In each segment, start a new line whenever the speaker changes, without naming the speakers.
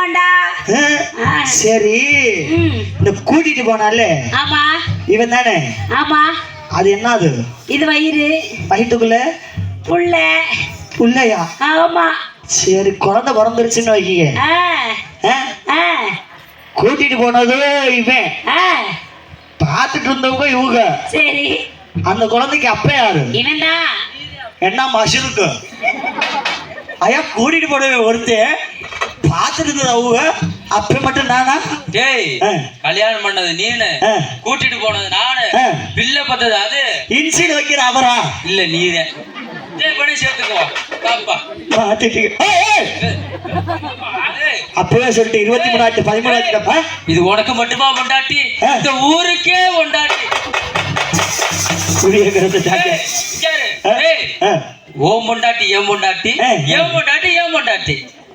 ஆமாண்டா.
சரி, இந்த கூட்டிட்டு போனால
ஆமா
இவன் தானே?
ஆமா.
அது என்னது?
இது வயிறு.
வயிற்றுக்குள்ள
புள்ள.
புள்ளையா?
ஆமா.
சரி, குழந்தை பிறந்துருச்சுன்னு வைக்க. கூட்டிட்டு போனது இவன், பார்த்துட்டு இருந்தவங்க இவங்க.
சரி,
அந்த குழந்தைக்கு அப்ப யாரு?
இவன்டா.
என்ன மஷருக்கு ஐயா கூட்டிட்டு போனவே ஒருத்தன் பார்த்துட்டு இருந்தது அவங்க, அப்ப மட்டும் நானா?
டேய், கல்யாணம் பண்ணது நீனு, கூட்டிட்டு போனது நானு, பிள்ளை பத்தது அது.
இன்சில் வைக்கிற அவரா? இல்ல
நீதான். டேய் பண்ணி சேர்த்துக்கோ பாப்பா.
அப்பவே சொல்லிட்டு 23
இது உனக்கு மட்டுமா பொண்டாட்டி? இந்த ஊருக்கே பொண்டாட்டி. ஓம் பொண்டாட்டி ஏன் பொண்டாட்டி, ஏன் பொண்டாட்டி ஏன் பொண்டாட்டி.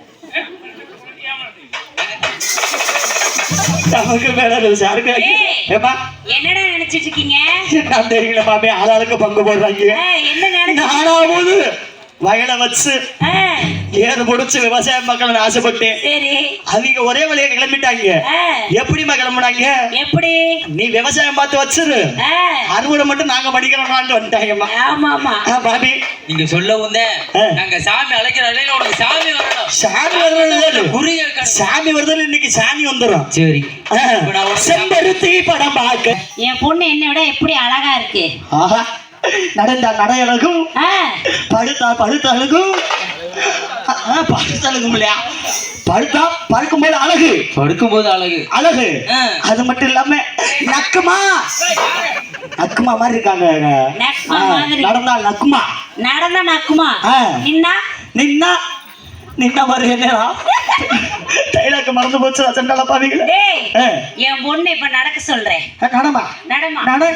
என்னடா நினைச்சிட்டு இருக்கீங்க?
தெரியல மாமே, ஆளாளுக்கு பங்கு போடுறாங்க. நானாவது வயலை வச்சு ஏறு முடிச்சு விவசாய மக்கள் ஆசைப்பட்டு அவங்க ஒரே வழியா கிளம்பிட்டாங்க. எப்படிமா கிளம்புனாங்க? எப்படி? நீ விவசாயம் பார்த்து வச்சிரு, அறுவடை மட்டும் நாங்க படிக்கிறோம்னு வந்துட்டாங்கம்மா. ஆமா ஆமா பாபி,
நீங்க சொல்லவும் நாங்க சாமி அழைக்கிற அழையில உனக்கு சாமி வரணும்.
சாமி வருது, சாமி வருது. இன்னைக்கு சாமி வந்துடும். சரி, செம்பருத்தி படம் பார்க்க.
என் பொண்ணு என்னை விட எப்படி அழகா இருக்கு.
ஆஹா, நடந்தா நடை அழகும், படுத்தா படுத்த அழகும். படுத்தழகும் இல்லையா, படுத்தா படுக்கும் போது அழகு,
படுக்கும் போது அழகு
அழகு. அது மட்டும் இல்லாம நக்குமா, நக்குமா மாதிரி இருக்காங்க. நடந்தா நக்குமா,
நடந்தா நக்குமா, நின்னா
நின்னா நின்னா மாதிரி. என்னடா டைலாக் மறந்து போச்சு சண்டால பாவீங்களே.
என் பொண்ணு இப்ப நடக்க சொல்றேன்.
நடமா
நடமா
நட.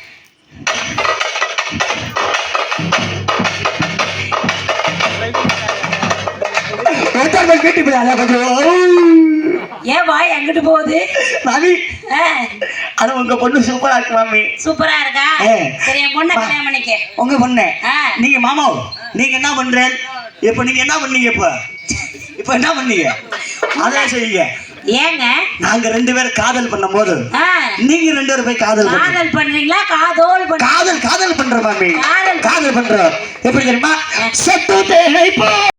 ஏன் வாய் அங்கிட்டு போகுது
மாமி? அது உங்க பொண்ணு சூப்பரா இருக்கு மாமி.
சூப்பரா இருக்கா? சரி, என் பொண்ணை கல்யாணம் பண்ணிக்க.
உங்க பொண்ணு நீங்க மாமா, நீங்க என்ன பண்றேன் இப்ப? நீங்க என்ன பண்ணீங்க இப்ப? இப்ப என்ன பண்ணீங்க அதான் செய்யுங்க.
ஏங்க
நாங்க 2 பேரும் காதல் பண்ணும் போது நீங்க 2 பேரும் போய் காதல்
பண்றீங்களா? காதல்
காதல் பண்ற மாமி, காதல் பண்ற. எப்படி தெரியுமா?